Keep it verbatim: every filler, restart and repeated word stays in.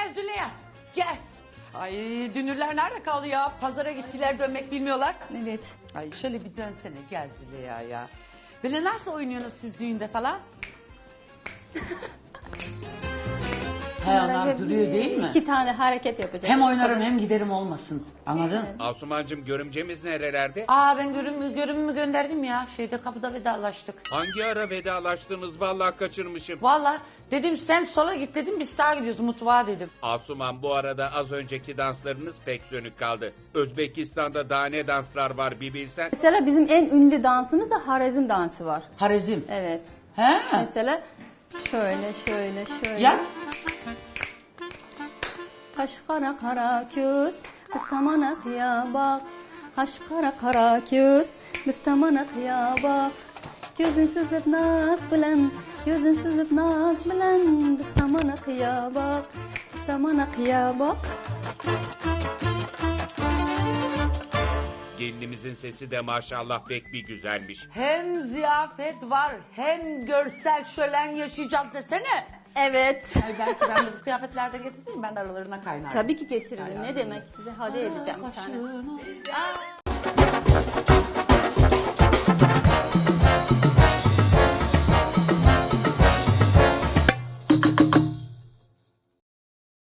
gel Züleyha. Gel. Ay dünürler nerede kaldı ya? Pazara gittiler, dönmek bilmiyorlar. Evet. Ay şöyle bir dönsene, gel Züleyha ya. Böyle nasıl oynuyorsunuz siz düğünde falan? He onlar duruyor değil mi? İki tane hareket yapacak. Hem oynarım hem giderim olmasın. Anladın? Asumancığım görümcemiz nerelerde? Aa ben görümümü, görümümü gönderdim ya. Şeyde kapıda vedalaştık. Hangi ara vedalaştınız vallahi kaçırmışım. Vallahi dedim sen sola git dedim, biz sağa gidiyoruz mutfağa dedim. Asuman bu arada az önceki danslarınız pek sönük kaldı. Özbekistan'da daha ne danslar var bir bilsen. Mesela bizim en ünlü dansımız da Harezm dansı var. Harezm. Evet. He? Mesela şöyle şöyle şöyle. Ya. Kaş kara kara köz, kıstamana kıya bak. Kaş kara kara köz, kıstamana kıya bak. Gözün sızıp naz bilen, gözün sızıp naz bilen. Kıstamana kıya bak, kıstamana kıya bak. Gelinimizin sesi de maşallah pek bir güzelmiş. Hem ziyafet var hem görsel şölen yaşayacağız desene. Evet. Ay belki ben de bu kıyafetlerde getirseydim, ben de aralarına kaynardım. Tabii ki getiririm. Ne demek, size hediye edeceğim bir tane. Kaşığını-